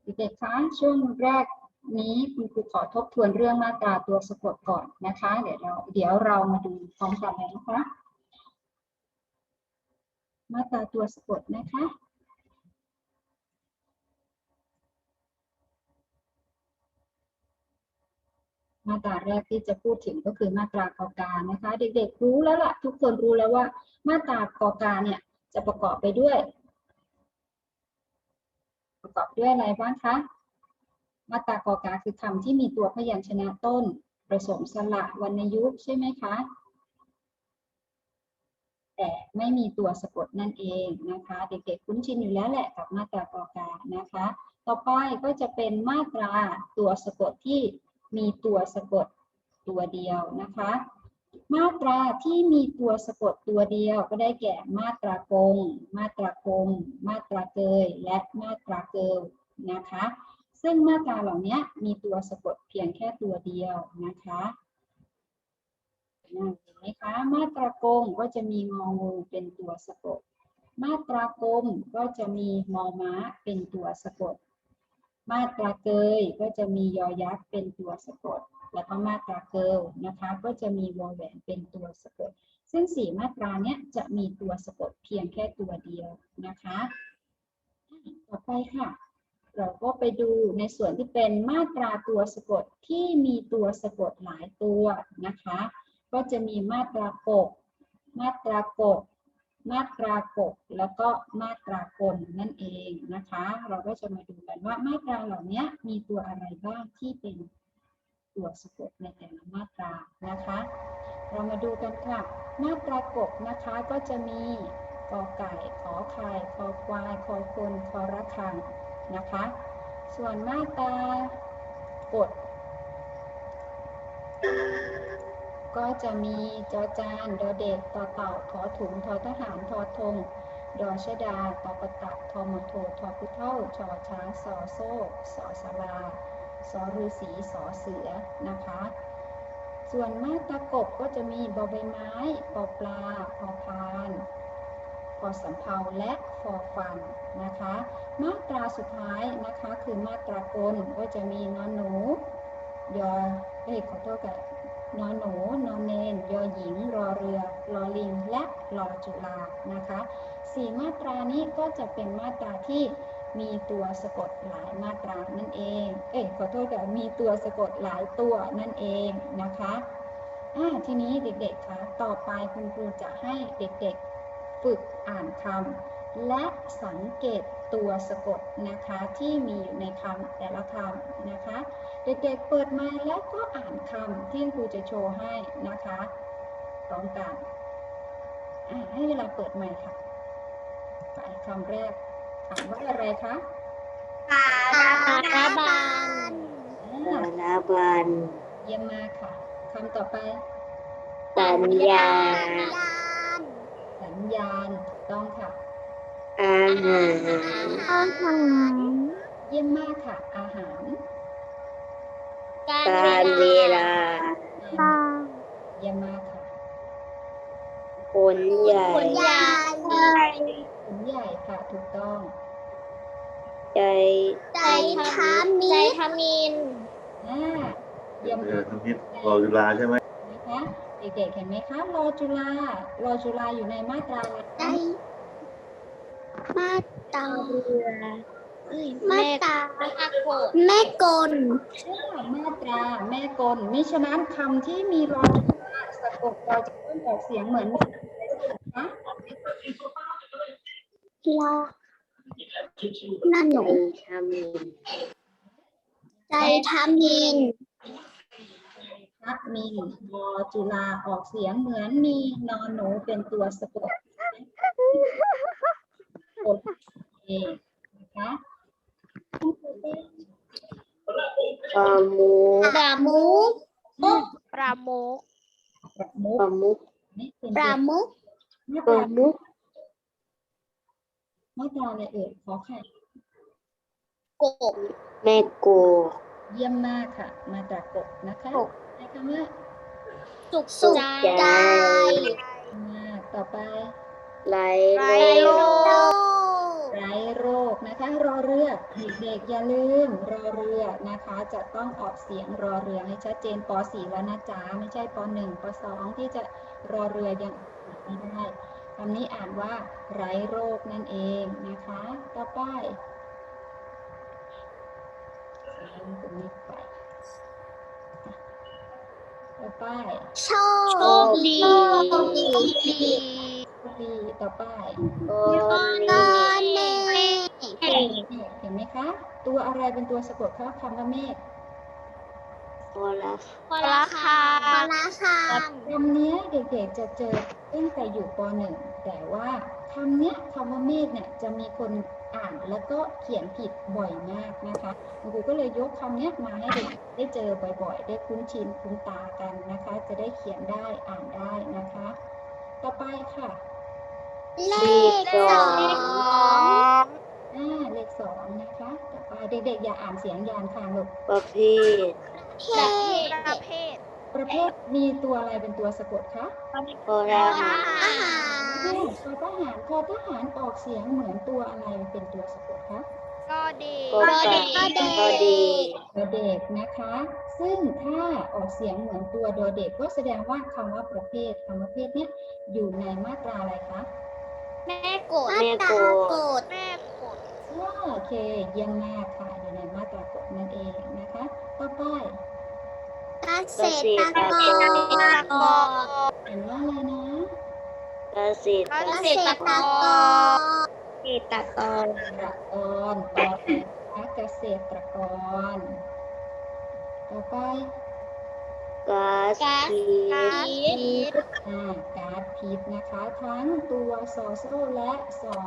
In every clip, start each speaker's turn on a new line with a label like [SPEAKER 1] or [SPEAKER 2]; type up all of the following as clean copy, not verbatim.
[SPEAKER 1] เด็กๆคะช่วงแรกนี้คุณครูขอทบทวนเรื่องมาตราตัวสะกดก่อนนะคะเดี๋ยวเรามาดูพร้อมกันเลยนะคะมาตราตัวสะกดนะคะมาตราแรกที่จะพูดถึงก็คือมาตรากอกานะคะเด็กๆรู้แล้วล่ะทุกคนรู้แล้วว่ามาตรากอกาเนี่ยจะประกอบไปด้วยอะไรบ้างคะมาตรากอกาคือคำที่มีตัวพยัญชนะต้นผสมสระวรรณยุกต์ใช่ไหมคะแต่ไม่มีตัวสะกดนั่นเองนะคะเด็กๆคุ้นชินอยู่แล้วแหละกับมาตรากอกานะคะต่อไปก็จะเป็นมาตราตัวสะกดที่มีตัวสะกดตัวเดียวนะคะมาตราที่มีตัวสะกดตัวเดียวก็ได้แก่มาตรากงมาตรากงมาตราเกยและมาตราเกิลนะคะซึ่งมาตราเหล่านี้มีตัวสะกดเพียงแค่ตัวเดียวนะคะเห็นไหมคะมาตรากงก็จะมีงองูเป็นตัวสะกดมาตรากลมก็จะมีมอม้าเป็นตัวสะกดมาตราเกยก็จะมียอยักษ์เป็นตัวสะกดแล้วก็มาตราเกิลนะคะก็จะมีวอแหวนเป็นตัวสะกดซึ่ง4มาตราเนี้ยจะมีตัวสะกดเพียงแค่ตัวเดียวนะคะต่อไปค่ะเราก็ไปดูในส่วนที่เป็นมาตราตัวสะกดที่มีตัวสะกดหลายตัวนะคะก็จะมีมาตรากกมาตรากดมาตรากกแล้วก็มาตรากลนั่นเองนะคะเราก็จะมาดูกันว่ามาตราเหล่านี้มีตัวอะไรบ้างที่เป็นตัวสะกดในแต่ละมาตรานะคะเรามาดูกันค่ะมาตรากกนะคะก็จะมีกอไก่ขอไข่คอควายคอคนคอระฆังนะคะส่วนมาตรากดก็จะมีจอจานดอเด็กต่อเต่าถอถุงทอทหารทอธงดอชดาตอประตักทอมอโททอพุเท่าชอช้างสอโซ่สอสาราสอฤาษีสอเสือนะคะส่วนมาตรากบก็จะมีบอใบไม้ปอปลาพอพานพอสำเภาและฟอฟันนะคะมาตราสุดท้ายนะคะคือมาตรากลก็จะมีนอนหนูยอขอโทษกับนอนหนูนอนเนนยอหญิงรอเรือรอลิงและรอจุฬานะคะ4มาตรานี้ก็จะเป็นมาตราที่มีตัวสะกดหลายมาตรานั่นเองขอโทษกับมีตัวสะกดหลายตัวนั่นเองนะคะทีนี้เด็กๆคะต่อไปคุณครูจะให้เด็กๆฝึกอ่านคำและสังเกตตัวสะกดนะคะที่มีอยู่ในคำแต่ละคำนะคะเด็กๆเปิดมาแล้วก็อ่านคำที่ครูจะโชว์ให้นะคะพร้อมกันให้เวลาเปิดใหม่ค่ะไปคำแรกอ่านว่าอะไรคะ
[SPEAKER 2] สารบัญ
[SPEAKER 1] เยี่ยมมากค่ะคำต่อไป
[SPEAKER 2] สัญญาณ
[SPEAKER 1] สัญญาณถูกต้องค่ะ
[SPEAKER 2] อาหาร
[SPEAKER 1] เยี่ยมมากค่ะอาหาร
[SPEAKER 2] การเวลา
[SPEAKER 1] เยี่ยมมากค่ะ
[SPEAKER 2] ผลใหญ่
[SPEAKER 1] ผลใหญ่ค่ะถูกต้อง
[SPEAKER 2] ใจ
[SPEAKER 3] ทมิน
[SPEAKER 1] เยี่ยมค่ะ
[SPEAKER 4] ทำนิดรอจุฬาใช่ไหม
[SPEAKER 1] นะคะเด็กๆเห็นไหมคะรอจุฬอยู่ในมาตราอะไรคะ
[SPEAKER 3] มาตราแม่กล
[SPEAKER 1] มาตราแม่กลมิฉะนั้นคำที่มีรอจุฬาสะกดเราจะต้องออกเสียงเหมือนนะคะ
[SPEAKER 3] นั่นหนูใจทมิน
[SPEAKER 1] มีรอจุฬาออกเสียงเหมือนมีนอนหนูเป็นตัวสะกดโอเคนะคะ
[SPEAKER 2] ปราโมก
[SPEAKER 3] ปรามุก
[SPEAKER 1] นี่เป็น
[SPEAKER 3] ปรามุก
[SPEAKER 1] มาตราอะไรเอ่ยขอไข่
[SPEAKER 3] กบ
[SPEAKER 2] แม่โก
[SPEAKER 1] เยี่ยมมากค่ะมาตรากบนะคะใช้คำว่า
[SPEAKER 3] สุขใจ
[SPEAKER 1] มากต่อไป
[SPEAKER 2] ไร
[SPEAKER 3] โล
[SPEAKER 1] ไร้โรคนะคะรอเรือเด็กๆอย่าลืมรอเรือนะคะจะต้องออกเสียงรอเรือให้ชัดเจนป .4 แล้วนะจ๊ะไม่ใช่ป .1 ป .2 ที่จะรอเรือยังไม่ได้คำนี้อ่านว่าไร้โรคนั่นเองนะคะต่อไปตรงนี้ไปต่อไป
[SPEAKER 3] โชคดี
[SPEAKER 1] ดีต่อไป
[SPEAKER 2] โอ
[SPEAKER 3] ต
[SPEAKER 2] นี
[SPEAKER 3] อนเมฆ
[SPEAKER 1] เห็นไหมคะ ตัวอะไรเป็นตัวสะกดคะคำว่าเมฆ
[SPEAKER 2] โอลา
[SPEAKER 3] พละคาม
[SPEAKER 1] คำนี้เด็กๆจะเจอตั้งแต่อยู่ป .1 แต่ว่าคำเนี้ยคำว่าเมฆเนี่ยจะมีคนอ่านแล้วก็เขียนผิดบ่อยมากนะคะคุณครูก็เลยยกคำเนี้ยมาให้เด็กได้เจอบ่อยๆ ได้คุ้นชินคุ้นตากันนะคะ จะได้เขียนได้อ่านได้นะคะ ต่อไปค่ะ
[SPEAKER 3] เลขสอง
[SPEAKER 1] เลข2นะคะต่อไปเด็กๆอย่าอ่านเสียงยานค่ะลูก
[SPEAKER 2] ประเภท
[SPEAKER 1] ประเภทมีตัวอะไรเป็นตัวสะกดคะ
[SPEAKER 2] โอลา
[SPEAKER 3] อาหาร
[SPEAKER 1] ทอทหารออกเสียงเหมือนตัวอะไรเป็นตัวสะกดคะ
[SPEAKER 2] โกดี
[SPEAKER 1] ดอเด็กนะคะ ซึ่งถ้าออกเสียงเหมือนตัวดอเด็กก็แสดงว่าคำว่าประเภทคำว่าประเภทเนี้ยอยู่ในมาตราอะไรคะ
[SPEAKER 3] แม่กด
[SPEAKER 1] โอเคเยี่ยมมากค่ะอยู่ในมาตรากฎนั่นเองนะคะต่อไป
[SPEAKER 3] เกษตรกร
[SPEAKER 1] เห็นว่าอะไรนะ
[SPEAKER 2] เกษตร
[SPEAKER 3] เกษตรกร
[SPEAKER 2] เกษตรกร
[SPEAKER 1] ต่อไปนะคะเกษตรกรต่อไป
[SPEAKER 2] ก๊าซพิษ
[SPEAKER 1] ก๊าซพิษนะคะทั้งตัวสอโซ่และสอ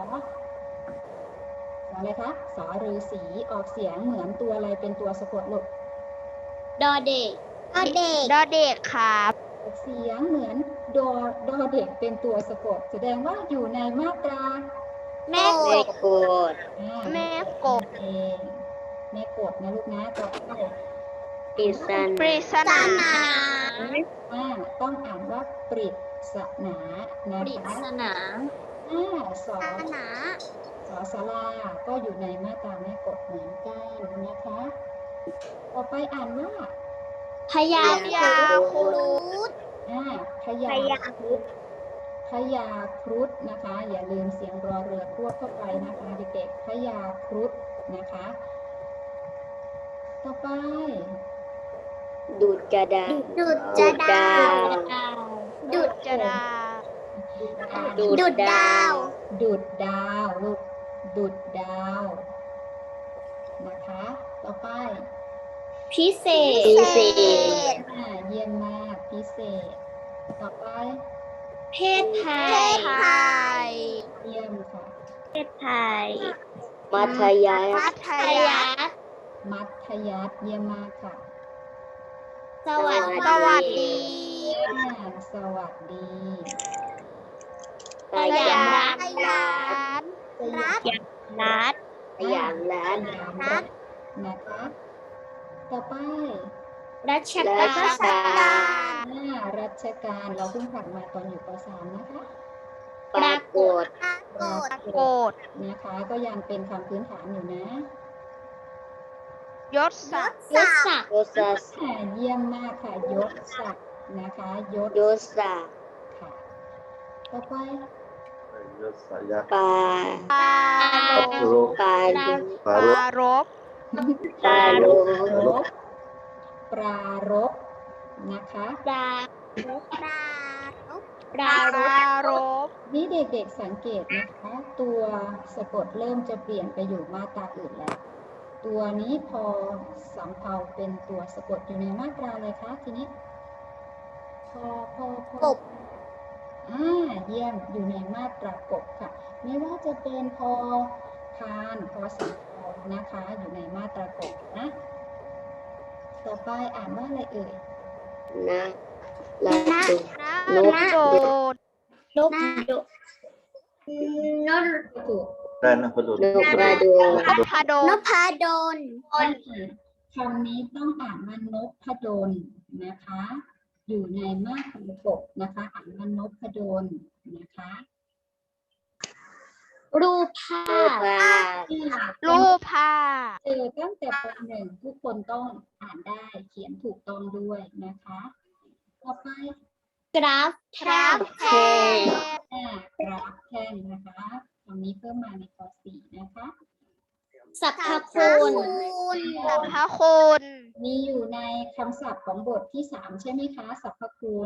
[SPEAKER 1] อะไรคะสอฤาษีออกเสียงเหมือนตัวอะไรเป็นตัวสะกดลูก
[SPEAKER 3] ดอเด็ก
[SPEAKER 1] ออกเสียงเหมือนดอเด็กเป็นตัวสะกดแสดงว่าอยู่ในมาตรา
[SPEAKER 3] แม่
[SPEAKER 2] แม่กด
[SPEAKER 1] แม่กดเองแม่กดนะลูกนะต่อไป
[SPEAKER 2] ปริศ
[SPEAKER 3] ศาสนา
[SPEAKER 1] ต้องอ่านว่าปริศนานะ
[SPEAKER 3] ปริ
[SPEAKER 1] คะ
[SPEAKER 3] ศนา
[SPEAKER 1] สอศาลาก็อยู่ในมาตราแม่กดเหมือนกันนะคะต่อไปอ่านว่า
[SPEAKER 3] พยาครุฑ
[SPEAKER 1] พยาครุฑนะคะ อย่าลืมเสียงรอเรือควบเข้าไปนะคะเด็กๆพยาครุฑนะคะ ต่อไป
[SPEAKER 2] ดูดกระดาษ
[SPEAKER 3] ดุดจะดาว
[SPEAKER 2] ดูดดาว
[SPEAKER 1] ดูดดาวลูกดูดดาวนะคะ ต่อไป
[SPEAKER 3] พิเศษ
[SPEAKER 1] เยี่ยมมากพิเศษ ต่อไป
[SPEAKER 3] เพศไทย
[SPEAKER 1] เยี่ยมค่ะ
[SPEAKER 2] มัธยัสถ์
[SPEAKER 3] มัธยัสถ์
[SPEAKER 1] มัธยัสถ์เยี่ยมมากค่ะ
[SPEAKER 3] สวัสดี
[SPEAKER 1] สวัสดี
[SPEAKER 2] สยาม
[SPEAKER 3] รัฐ
[SPEAKER 2] สยามรัฐ
[SPEAKER 1] นะคะ ต่อไป
[SPEAKER 3] รัช
[SPEAKER 2] รั
[SPEAKER 3] กา
[SPEAKER 2] ช
[SPEAKER 3] ล
[SPEAKER 2] กาล
[SPEAKER 1] รัชกาลเราเพิ่งผ่านมาตอนอยู่ป .3 นะคะ
[SPEAKER 2] ปรากฏ
[SPEAKER 1] นะคะ ก็ยังเป็นคำพื้นฐานอยู่นะ
[SPEAKER 3] ยศศักดิ์
[SPEAKER 2] ยศศักดิ์
[SPEAKER 1] เยี่ยมมากค่ะยศศักดิ์นะคะยศ
[SPEAKER 2] ยศศักดิ์
[SPEAKER 1] ค่ะ ต่อไป
[SPEAKER 4] ยศสายักษ์
[SPEAKER 2] ปา
[SPEAKER 4] ปัตโร
[SPEAKER 2] ปา
[SPEAKER 4] ปารบ
[SPEAKER 2] ปาโล
[SPEAKER 1] ปรารบนะคะ
[SPEAKER 3] ปรารบ
[SPEAKER 1] นี่เด็กๆสังเกตนะคะ ตัวสะกดเริ่มจะเปลี่ยนไปอยู่มาตราอื่นแล้ว ตัวนี้พอสำเภาเป็นตัวสะกดอยู่ในมาตราอะไรคะทีนี้พอกบเยี่ยมอยู่ในมาตรากบค่ะ ไม่ว่าจะเป็นพอพานพอสำเภานะคะ อยู่ในมาตรากบนะ ต่อไปอ่านว่าอะไรเอ่ย
[SPEAKER 2] นะลาดุนก
[SPEAKER 3] นกดุนก
[SPEAKER 1] ถูก
[SPEAKER 4] ได้นะพดุล
[SPEAKER 2] นกกระโดด
[SPEAKER 3] นพดล
[SPEAKER 1] คำนี้ต้องอ่านว่านพดลนะคะ อยู่ในมาตรากบนะคะ อ่านว่านพดลนะคะ
[SPEAKER 2] ป
[SPEAKER 3] รูปภา
[SPEAKER 2] รูป
[SPEAKER 3] พ
[SPEAKER 2] ภาพ
[SPEAKER 3] รูปภาพ
[SPEAKER 1] เจอตั้งแต่ป .1 ทุกคนต้องอ่านได้เขียนถูกต้องด้วยนะคะต่อไป
[SPEAKER 3] กราฟแท่ง
[SPEAKER 2] แท่ง
[SPEAKER 1] กราฟแท่งนะคะคำนี้เพิ่มมาในป .4 นะคะ
[SPEAKER 3] สรรพคุณ
[SPEAKER 2] สรรพคุณ
[SPEAKER 1] มีอยู่ในคำศัพท์ของบทที่ 3 ใช่ไหมคะสรรพคุณ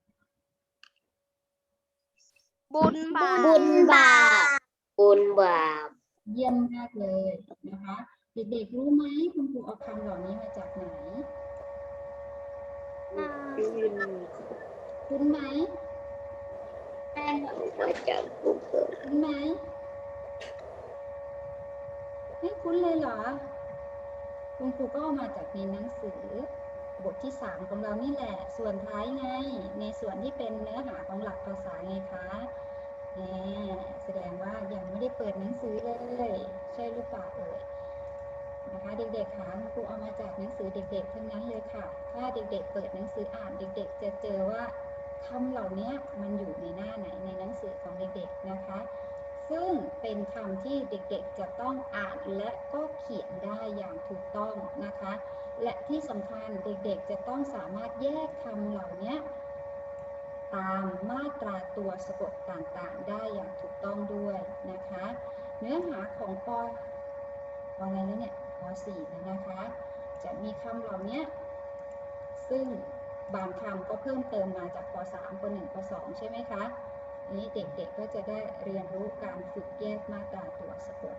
[SPEAKER 2] บุญบาป
[SPEAKER 3] บุญบาป
[SPEAKER 2] บุญบาป
[SPEAKER 1] เยี่ยมมากเลยนะคะ เด็กๆรู้ไหมคุณครูเอาคำเหล่านี้มาจากไหนคุ้นไหม
[SPEAKER 2] มาจากบุญ
[SPEAKER 1] คุ้นไหมไม่คุ้นเลยเหรอคุณครูก็เอามาจากในหนังสือบทที่ 3 ของเรานี่แหละ ส่วนท้ายไงในส่วนที่เป็นเนื้อหาของหลักภาษาไงคะแสดงว่ายังไม่ได้เปิดหนังสือเลยใช่หรือเปล่าเอ่ยนะคะเด็กๆคะครูเอามาจากหนังสือเด็กๆทั้งนั้นเลยค่ะถ้าเด็กๆเปิดหนังสืออ่านเด็กๆจะเจอว่าคำเหล่านี้มันอยู่ในหน้าไหนในหนังสือของเด็กๆนะคะซึ่งเป็นคำที่เด็กๆจะต้องอ่านและก็เขียนได้อย่างถูกต้องนะคะและที่สำคัญเด็กๆจะต้องสามารถแยกคำเหล่านี้ตามมาตราตัวสะกดต่างๆได้อย่างถูกต้องด้วยนะคะเนื้อหาของป.อะไรแล้วเนี่ยป.4 แล้วนะคะจะมีคำเหล่านี้ซึ่งบางคำก็เพิ่มเติมมาจากป.3 ป.1 ป.2 ใช่ไหมคะนี้เด็กๆก็จะได้เรียนรู้การฝึกแยกมาตราตัวสะกด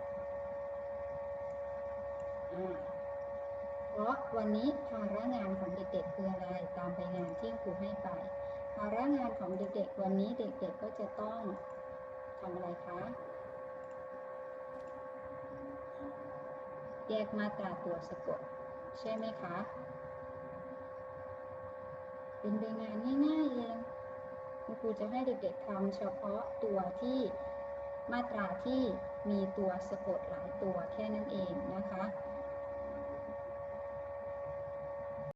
[SPEAKER 1] เพราะวันนี้ภาระงานของเด็กๆคืออะไรตามใบงานที่ครูให้ไปภาระงานของเด็กๆวันนี้เด็กๆก็จะต้องทำอะไรคะแยกมาตราตัวสะกดใช่ไหมคะเป็นใบงานง่ายๆเองครูจะให้เด็กๆทำเฉพาะตัวที่มาตราที่มีตัวสะกดหลายตัวแค่นั้นเองนะคะ